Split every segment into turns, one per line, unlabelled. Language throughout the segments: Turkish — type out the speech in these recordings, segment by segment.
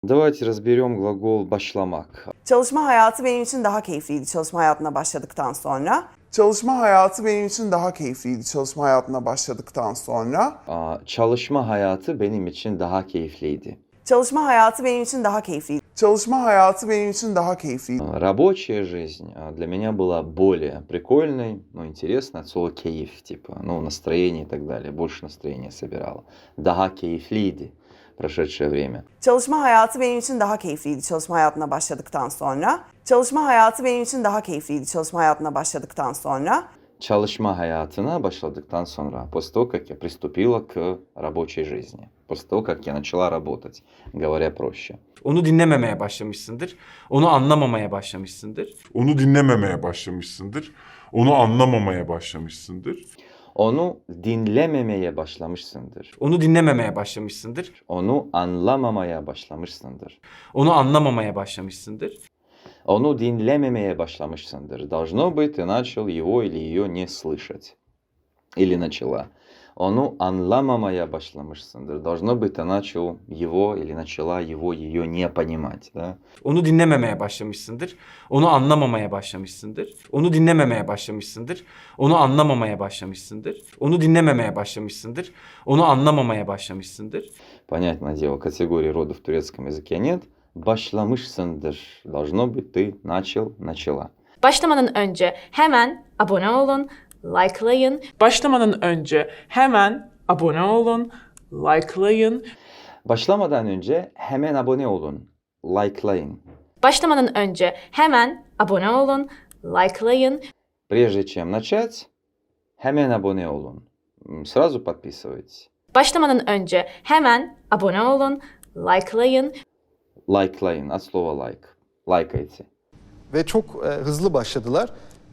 Давайте разберем глагол başlamak.
Çalışma hayatı benim için daha keyifliydi çalışma hayatına başladıktan sonra.
Çalışma hayatı benim için daha keyifliydi çalışma hayatına başladıktan sonra.
Çalışma hayatı benim için daha keyifliydi.
Çalışma hayatı benim için daha keyifliydi.
Çalışma hayatı benim için daha keyifliydi.
Рабочая жизнь для меня была более прикольной, интересной от слова кайф, типа, настроение и так далее. Больше настроения собирало. Daha keyifliydi прошедшее время.
Çalışma hayatı benim için daha keyifliydi çalışma hayatına başladıktan sonra. Çalışma hayatı benim için daha keyifliydi çalışma hayatına başladıktan sonra.
Çalışma hayatına başladıktan sonra, после того, как я приступила к рабочей жизни, после того, как я начала работать, говоря проще.
Onu dinlememeye başlamışsındır. Onu anlamamaya başlamışsındır.
Onu dinlememeye başlamışsındır. Onu anlamamaya başlamışsındır.
Onu dinlememeye başlamışsındır.
Onu dinlememeye başlamışsındır.
Onu anlamamaya başlamışsındır.
Onu anlamamaya başlamışsındır.
Onu dinlememeye başlamışsındır. Должно быть, ты начал его или ее не слышать. Или начала. Onu anlamamaya başlamışsındır. Должно быть, ты начал его или начала его, ее не понимать. Да?
Onu dinlememeye başlamışsındır. Onu anlamamaya başlamışsındır. Onu dinlememeye başlamışsındır. Onu anlamamaya başlamışsındır. Onu dinlememeye başlamışsındır. Onu anlamamaya başlamışsındır.
Понятное дело, категории рода в турецком языке нет. Başlamışsındır. Должно быть, ты начал, начала.
Başlamadan önce hemen abone olun, likelayın.
Başlamadan önce hemen abone olun, likelayın.
Başlamadan önce hemen abone olun. Likelayın.
Başlamadan önce hemen abone olun, likelayın.
Прежде чем начать, hemen abone olun. Сразу подписывайтесь.
Başlamadan önce hemen abone olun, likelayın.
Likelayın. От слова like. Лайкайте.
Ve çok hızlı başladılar.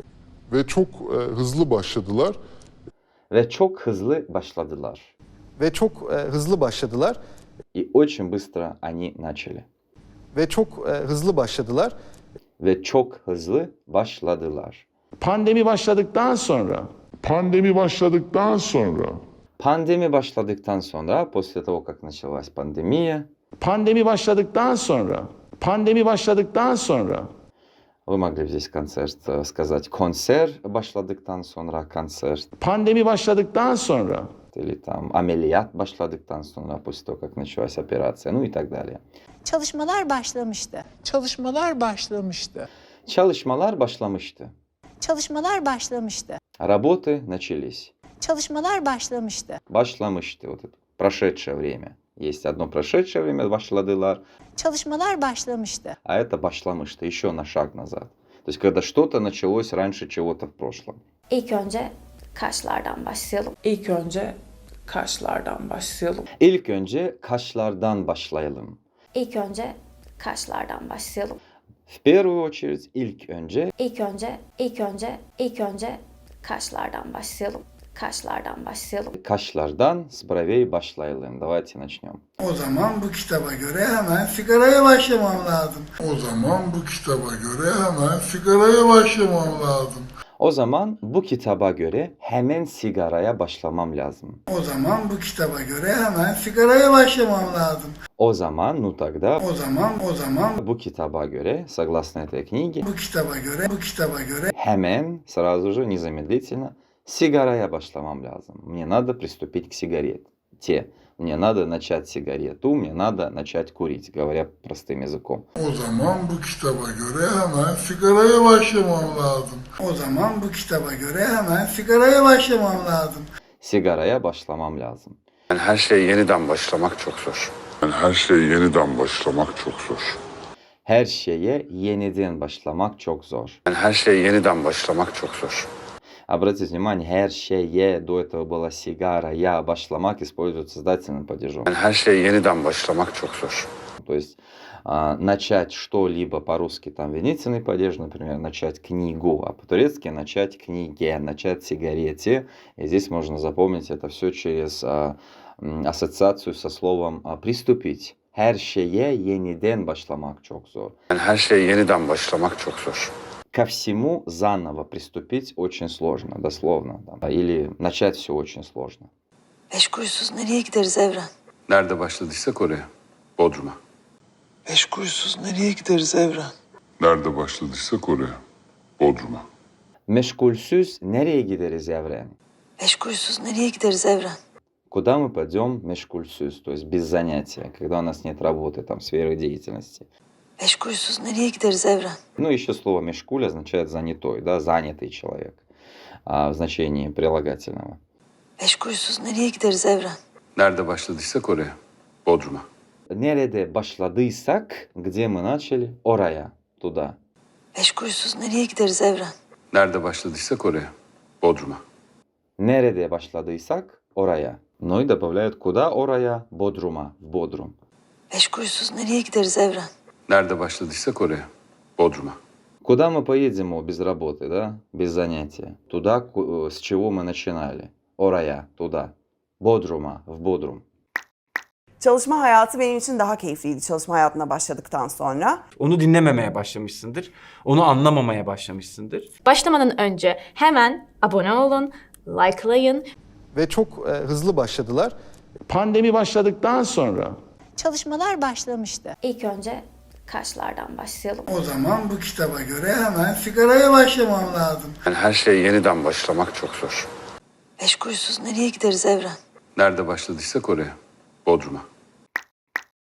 Ve çok hızlı başladılar.
Ve çok hızlı başladılar.
Ve çok hızlı başladılar.
И очень быстро они начали.
Ve çok hızlı başladılar.
Ve çok hızlı başladılar.
Pandemi başladıktan sonra.
Pandemi başladıktan sonra.
Pandemi başladıktan sonra, после того, как началась пандемия,
Pandemi başladıktan sonra. Pandemi başladıktan sonra.
вы могли бы здесь концерт сказать концерт başladıktan sonra, концерт.
Pandemi başladıktan sonra.
Или там ameliyat başladıktan sonra, после того, как началась операция, и так далее.
Çalışmalar başlamıştı.
Çalışmalar başlamıştı.
Çalışmalar başlamıştı.
Çalışmalar başlamıştı.
Работы начались.
Çalışmalar başlamıştı.
Başlamıştı. Вот это прошедшее время. Есть одно прошедшее время, başladılar,
Çalışmalar başlamıştı.
а это başlamıştı, еще на шаг назад. То есть, когда что-то началось раньше чего-то в прошлом.
İlk önce kaşlardan başlayalım.
İlk önce kaşlardan başlayalım.
İlk önce kaşlardan başlayalım.
İlk önce kaşlardan başlayalım.
В первую очередь, ilk önce
İlk önce kaşlardan başlayalım. Kaşlardan başlayalım.
kaşlardan, с бровей başlayalım. Давайте начнем.
O zaman bu kitaba göre hemen sigaraya başlamam lazım.
O zaman bu kitaba göre hemen sigaraya başlamam lazım.
O zaman bu kitaba göre hemen sigaraya başlamam lazım.
O zaman bu kitaba göre hemen sigaraya başlamam lazım.
O zaman, ну тогда,
O zaman
bu kitaba göre, согласно этой книге,
bu kitaba göre
hemen, сразу же, незамедлительно, сигарая başlamam lazım. Мне надо приступить к сигарете. Мне надо начать сигарету, мне надо начать курить, говоря простым языком.
O zaman bu kitaba göre hemen sigaraya başlamam lazım.
o zaman bu kitaba göre hemen sigaraya başlamam lazım.
Sigaraya başlamam lazım.
Yani her şey yeniden başlamak çok zor.
Yani her şey yeniden başlamak çok zor.
Her şeye yeniden başlamak çok zor.
Yani her şey yeniden başlamak çok zor.
Обратите внимание, her şeye, до этого была сигарая, başlamak используется с дательным падежом.
Yani her şey yeniden başlamak çok zor.
То есть начать что-либо по-русски, там, винительный падеж, например, начать книгу, а по-турецки начать книге, начать сигарете. И здесь можно запомнить это все через ассоциацию со словом «приступить». Her şeye yeniden başlamak çok zor.
Yani her şey yeniden başlamak çok zor.
Ко всему заново приступить очень сложно, дословно. Или начать все очень сложно.
Beş kuruşsuz nereye gideriz Evren?
Nerede başladıysak oraya. Bodrum'a.
Meşgulsüz nereye gideriz Evren?
Nerede başladıysak oraya. Bodrum'a.
Meşgulsüz nereye gideriz Evren?
Meşgulsüz nereye gideriz Evren?
Куда мы пойдем meşgulsüz, то есть без занятия, когда у нас нет работы, там, сферы деятельности.
Meşgulsüz nereye gideriz Evren?
Ну, еще слово мешкуль означает занятой, да, занятый человек, в значении прилагательного.
Meşgulsüz nereye gideriz Evren?
Nerede başladıysak oraya. Bodrum'a.
Nerede başladıysak, где мы начали, oraya, туда.
Meşgulsüz nereye gideriz Evren?
Nerede başladıysak oraya. Bodrum'a.
Nerede başladıysak, oraya. Ну и добавляют куда, oraya, Bodrum'a, в Бодрум.
Meşgulsüz nereye gideriz Evren?
Nerede başladıysak oraya. Bodrum'a.
Куда мы поедем без работы, да, без занятия? Туда, с чего мы начинали. Oraya, туда. Bodrum'a, в Бодрум.
Çalışma hayatı benim için daha keyifliydi çalışma hayatına başladıktan sonra.
Onu dinlememeye başlamışsındır. Onu anlamamaya başlamışsındır.
Başlamadan önce hemen abone olun, likelayın.
Ve çok hızlı başladılar.
Pandemi başladıktan sonra
Çalışmalar başlamıştı.
İlk önce karşılardan başlayalım.
O zaman bu kitaba göre hemen sigaraya başlamam lazım.
Yani her şey yeniden başlamak çok zor.
Meşgulsüz nereye gideriz Evren?
Nerede başladıysak oraya. Bodrum'a.